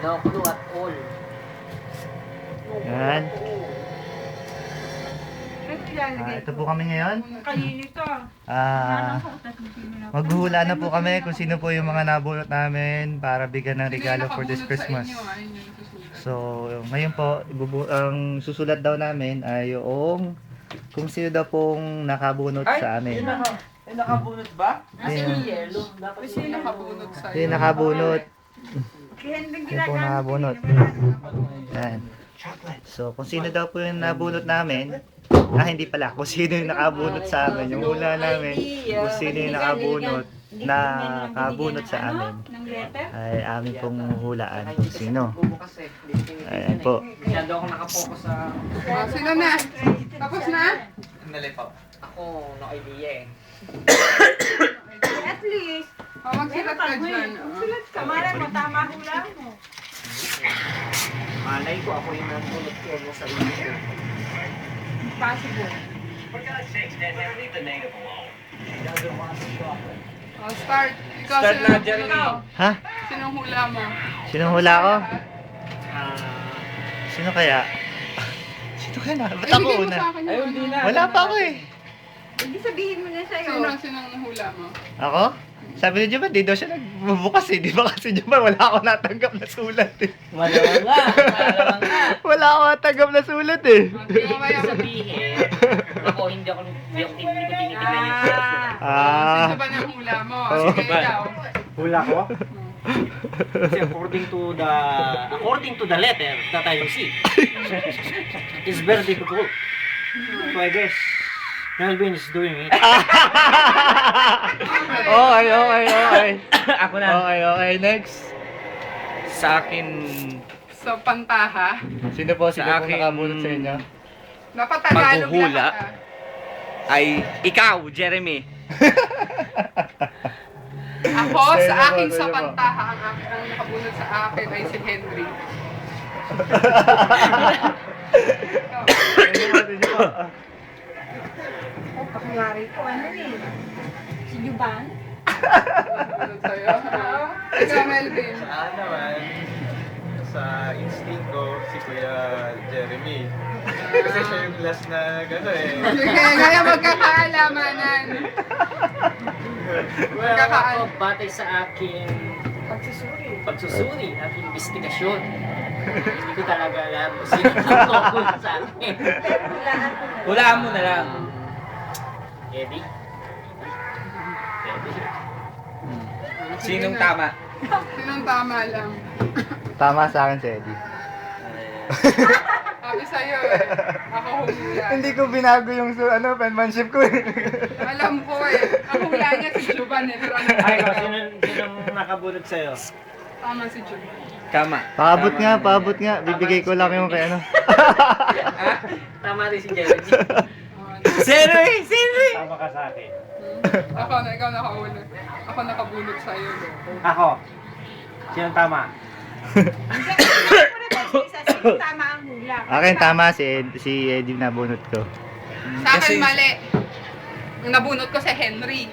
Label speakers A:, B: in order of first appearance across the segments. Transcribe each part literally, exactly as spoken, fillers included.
A: No clue at all.
B: Yan. Ah, ito po kami ngayon. Ah, maghuhula na po kami kung sino po yung mga nabulot namin para bigyan ng regalo for this Christmas. So, ngayon po, ibubu ang susulat daw namin ay yung kung sino daw pong nakabunot sa amin.
C: Ay, nakabunot ba?
A: Kasi yung yellow. Dapat
D: Kasi nakabunot sa'yo.
B: Hindi nakabunot. Hindi po nakabunot. Yan. So, kung sino daw po yung nabunot namin, ah, hindi pala. Kung sino yung nakabunot sa amin, yung hula namin, kung sino yung nakabunot, nakabunot sa amin, ay amin pong hulaan kung sino. Ayan po.
A: Masyado ako nakapokus sa...
D: Oh, sino na? Tapos na?
C: Sandali po.
A: Ako, no idea eh.
E: At least,
D: Oh, magsilat ka dyan.
E: sulat ka. Mara mo, tama hula mo.
A: Malay ko ako yung nabulot ko mo sa inyo.
E: Possible.
D: Oh, start. Ikaw,
C: Start
D: sino
C: na,
D: ang
C: Jeremy.
D: hula mo?
B: Ha?
D: Sinong hula mo?
B: Sinong hula ko?
A: Ah,
B: Sino kaya? Sino kaya na? Ba't
D: Eh,
B: ako
D: bigay mo
B: una?
D: sa akin yung
C: Ayun, di na.
B: Wala pa ako eh.
E: Hindi sabihin mo na sa'yo.
D: Sino, sinong hula mo?
B: Ako? Sabi ni Juman, di daw siya nagbubukas eh. Di ba kasi Juman, wala ako natanggap na sulat eh.
A: malamang nga. Malamang nga.
B: Wala ako natanggap na sulat eh.
D: Oh, di mo kaya.
A: Sabihin, ako hindi ako hindi ako hindi ko tinitingnan yung
E: Ah.
B: Ah.
D: Sino ba ng hula mo?
B: Oh.
D: Sige, ikaw.
A: hula ko. Kasi according to the according to the letter that I receive, it's very difficult. So I guess Melvin is doing it.
B: Okay, okay, okay.
A: Ako na.
B: Okay, okay. Next.
C: Sa akin,
D: So, pantaha.
B: Sino po? Sino
C: Sa
B: po
C: akin,
B: nakabunot sa inyo?
D: Dapat Tagalog
C: Maghuhula.
D: lahat, ah.
C: ay ikaw, Jeremy.
D: Ako,
B: Sino
D: sa
B: po,
D: aking
B: sino
D: sa
B: po?
D: pantaha, ang, aking, ang nakabunod sa akin ay si Henry.
B: Sino po? Sino po?
E: Oh, pakayari ko. Ano eh? Si Juban?
D: Nakabunot sa'yo. Ah. Ikaw, Melvin.
F: Sa naman, sa instinct ko, si Kuya Jeremy. Kasi siya yung last na gano'n eh.
D: Sige, kaya magkakaalamanan.
A: Well,
D: Magkakaan.
A: ako, batay sa aking
E: Pagsusuri.
A: pagsusuri at investigasyon, hindi ko talaga alam kung sino ang nabulot sa akin.
E: Pero hulaan ko na.
C: Hulaan mo na lang.
A: Eddie? Eddie?
C: Sinong tama?
D: Sinong tama lang?
B: Tama sa akin si Eddie.
D: Sabi sa'yo eh. Ako hula.
B: Hindi ko binago yung su- ano, penmanship ko eh.
D: Alam ko eh. Ang hula niya si Juban eh. Pero ano
A: Ay,
D: ba?
A: sino, sinong nakabulot sa'yo?
D: Tama si Juban.
C: Tama.
B: Paabot
C: Tama
B: nga,
C: na.
B: paabot nga. Bibigay ko lang yung kay ano.
A: Tama rin si Jeremy.
D: Oh, ano?
C: Jeremy! Jeremy!
A: Tama ka sa akin.
D: Hmm. Ako na, ikaw nakahulog. Ako nakabunot sa'yo.
A: Ako. Sinong tama?
E: Sino tama ang hula?
B: Akin tama si, Ed- si Eddie na bunot ko.
D: Sa akin
C: Kasi-
D: mali. Ang nabunot ko si Henry.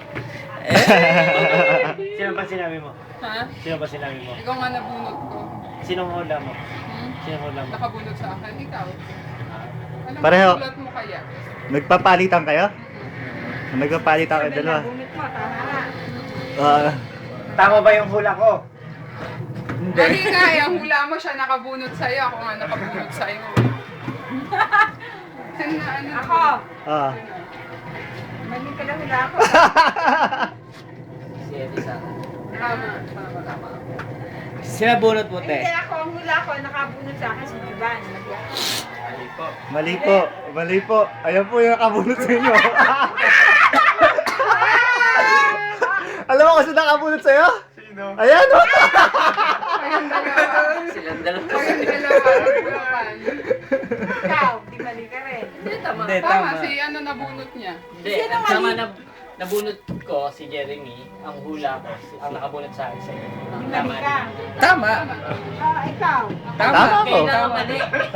A: Sino ba sinabi mo?
D: Ha?
A: Sino ba sinabi mo?
D: Ikaw nga nabunot ko.
A: Sinong hula mo?
D: Hmm?
A: Sinong hula mo?
D: Nakabunot sa akin. Ikaw. Alam
B: Pareho.
D: mo, sulat mo kaya?
B: Nagpapalitan kayo? Nagpapalitan kayo dalawa.
E: Bunot mo, tama.
B: Ah,
A: Tama ba yung hula ko?
D: Mali nga eh, ang hula mo siya nakabunot sa'yo. Ako nga nakabunot sa'yo. Sino na ano?
E: Ako.
B: ah.
E: Mali ka na hula ko.
A: Si Eddie sa akin.
D: Tama. Tama. Tama.
C: Sinabunot mo,
E: Hindi
C: te.
E: ako, ang hula ko, nakabunot sa akin si Juban. Mali ako.
F: Mali po.
B: Mali po, mali po. Ayan po yung nakabunot sa inyo. Alam mo kasi nakabunot sa'yo?
F: Sino?
B: Ayan o!
D: Kayong dalawa.
A: Silang dalawa.
D: Kayong dalawa. Nagbunutan.
E: Ikaw, di mali ka rin.
A: Hindi, tama.
C: Hindi,
D: Tama,
C: tama.
D: si ano nabunot niya.
A: Hindi, ang tama na nabunot ko si Jeremy, ang hula ko, si, ang nakabunot sa akin sa'yo. Ang
E: Di
A: tama
E: mali ka.
C: Tama.
E: Ah, ikaw.
C: Tama.
B: Tama ko.
A: Kaya na mali.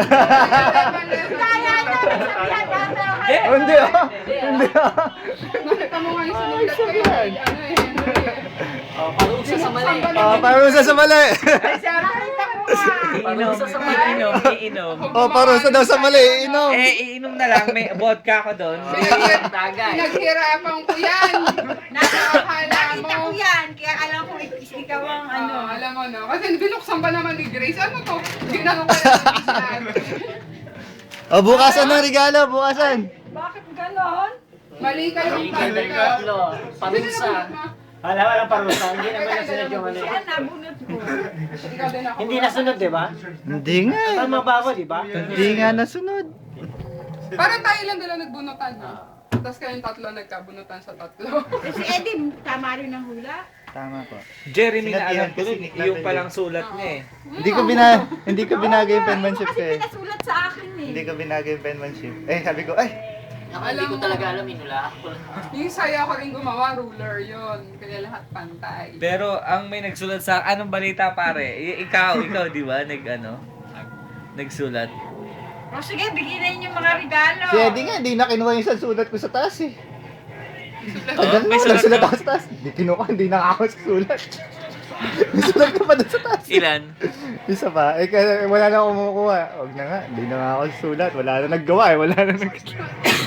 E: Kaya na, sabihan ka, pero
C: Eh,
B: Oh, hindi o! Hindi o!
D: Nakita mo nga yung sinulat ko yun. Ano eh, Henry eh.
A: Oh, parusa sa mali.
B: Ah, parang sa sa mali.
E: nakita ko nga.
C: iinom, iinom, iinom.
B: Oh, parusa daw sa mali, inom.
C: Eh, iinom na lang, may vodka ko doon.
D: Pinaghir-
A: Tagay.
D: Pinaghirapan ko yan. Nakakala
E: Nakita ko
D: mo.
E: yan, kaya alam ko ik- ikaw ang ano.
D: Ano, alam mo no? Kasi binuksan ba naman ni Grace? Ano to? Ginano ko lang ng isa.
B: Oh, bukasan ng regalo, bukasan.
E: Bakit ganon?
D: Mali ka yung
A: Ikaw na yung tatlo. Parusa. Wala, walang parusa. Hindi naman nasunod yung ano.
E: Siya nabunot ko.
D: Ikaw din ako.
A: Hindi nasunod, di ba?
B: Hindi nga. eh.
A: Tama ba ako, di ba?
B: Hindi nga nasunod.
D: Parang tayo lang dala nagbunutan. Ha? Tapos kayong tatlo nagkabunutan sa tatlo.
E: Si Eddie, tama rin ang hula.
B: Tama po.
C: Jeremy na alam
B: Sinabihan
C: ko,
B: kasi ni
C: yung
B: Clavel
C: palang
B: eh.
C: sulat niya eh.
B: Hindi ko bina hindi ko binagay yung penmanship
E: Kasi
B: eh.
E: pinasulat sa akin eh.
B: Hindi ko binagay yung penmanship. Eh, sabi ko, ay,
A: Ako, hindi ko talaga alam, inula ako.
D: Yung saya ko rin gumawa, ruler yon. Kaya lahat pantay.
C: Pero ang may nagsulat sa anong balita pare? I- ikaw, ikaw di ba? Nag ano? Nagsulat.
E: O sige, bigyan na yung mga regalo.
B: si Eddie nga, hindi na kinuha yung isang sulat ko sa taas eh.
C: Oh,
B: Tagal
C: may
B: na,
C: sulat
B: nagsulat
C: ka?
B: ako sa taas. Hindi kinuha, hindi na ako sa sulat. May sulat ka pa doon sa taas.
C: Ilan?
B: Isa pa, eh kaya wala na akong kumukuha. Huwag na nga, hindi na nga ako sulat. Wala na naggawa eh, wala na naggawa.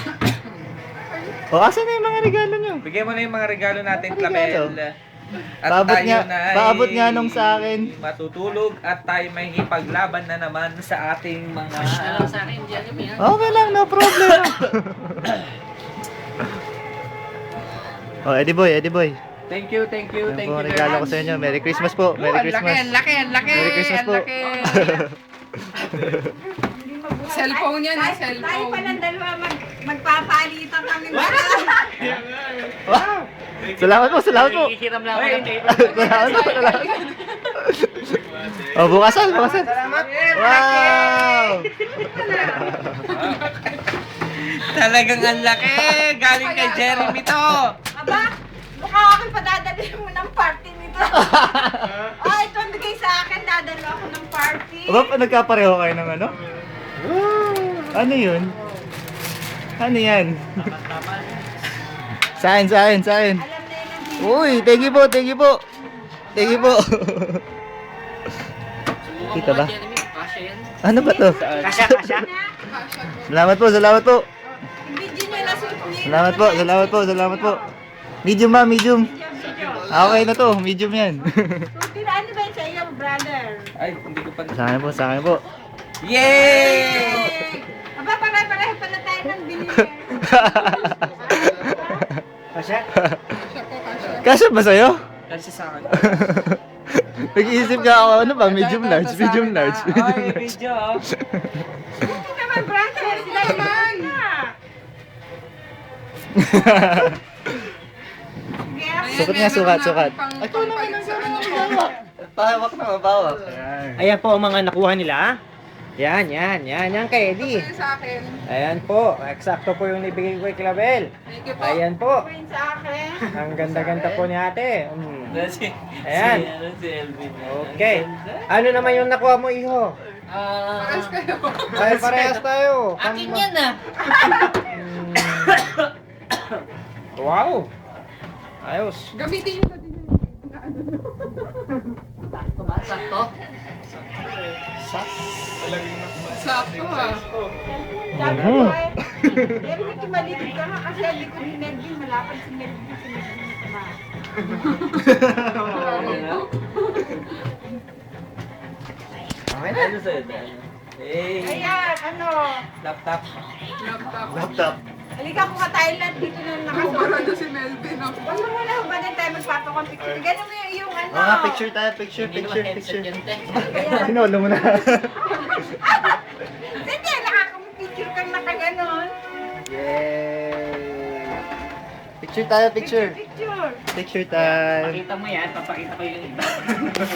B: O, asan na yung mga regalo nyo?
C: Bigyan mo na yung mga regalo natin,
B: Ano regalo?
C: Clavel. At
B: Paabot
C: tayo
B: nga,
C: na ay
B: paabot nga nung sa akin.
C: matutulog at tayo may hipaglaban na naman sa ating mga...
A: Alam sa akin, diyan yung yan.
B: Okay lang, no problem. oh, Eddie Boy, Eddie Boy.
C: Thank you, thank you,
B: Yan
C: thank
B: po
C: you
B: ang
C: very
B: regalo ko
C: much.
B: sa inyo. Merry Christmas po. Merry
C: Oh, ang
B: Christmas.
C: laki, ang laki, ang laki,
B: Merry Christmas
C: ang
B: po.
C: laki.
E: Hindi mabuhay.
D: Cellphone yan, eh,
E: Tayo-
D: cellphone.
E: Tayo palang dalawa mag, magpapalitan kami.
B: Wow! Salamat po, salamat po.
A: Hihiram lang ako
C: Ay,
A: ng paper.
B: Salamat po, salamat. Oh, bukasan, bukasan. Wow!
C: Talagang ang laki. Galing kay Jeremy to.
E: Aba, mukha aking padadalhin mo ng party nito. Ah, ito ang bigay sa akin, dadalo ako ng party.
B: Aba, pa nagkapareho kayo ng ano? Ano yun? Ano yan? Saan, saan, saan?
E: Alam na yun ang hindi.
B: Uy, thank you po, thank you po. Thank you po. Kita ba?
A: Jeremy, kasha yan.
B: Ano ba to?
A: Kasha, kasha.
B: Salamat po, salamat po.
E: Video nyo na suot niyo.
B: Salamat po, salamat po, salamat po. Medium ba, medium? Ah, okay na to, medium yan.
E: Suotin na, ano ba yun sa iyo, brother?
C: Ay, hindi ko pa...
B: Sa akin po, sa akin po.
C: Yay!
E: Aba, pare-pareho pala tayo ng binili.
A: Kasha?
D: Kasya ko, kasya.
B: Kasya ba sa'yo?
C: Kasi sa akin.
B: Nag-iisip ka ako, ano ba, medium large, medium large.
C: Ay, video. oh.
E: Hindi naman, brother. Sila naman.
B: Sukat nga, sukat, sukat.
D: Ay, ito naman ang ano.
B: Pahawak na, mabawak.
A: Ayan po ang mga nakuha nila. Yan, yan, yan, yan kay Eddie.
D: Ito sa akin.
A: Ayan po, eksakto po yung ibigay ko kay Clavel.
D: Thank you po.
A: Ayan po,
E: Pin sa akin.
A: ang ganda-ganda po ni ate. Mm.
C: Si,
A: Ayan.
C: Si, ano, si Elvin.
A: Okay. Ano naman yung nakuha mo, iho?
D: Pares kayo.
A: Ay, parehas tayo.
C: Akin yan ah.
A: Wow. Ayos.
D: Gamitin nyo na din yun. Sakto ah.
E: Sabi ko eh, Melvin, tumalikod ka nga kasi ang likod ni Melvin, malapad si Melvin sa Melvin sa ba.
C: Okay na. Ano sa'yo? Eh,
E: Ayan, ano,
C: laptop.
D: Laptop.
B: Laptop.
E: halika ko ka Thailand, dito na nakasuot.
D: Kumpara si Melvin. oh.
E: Huwag mo muna hubagan tayo magpapakompicture. Ganun mo yung, yung ano.
B: Oo nga, picture tayo, picture, picture, picture.
E: Kaya,
B: Sinolo mo na.
E: hindi, nakakapicture kang nakaganon.
B: Yay! Picture tayo, picture.
E: Picture.
B: Picture time.
A: Pakita mo yan, papakita ko yung iba.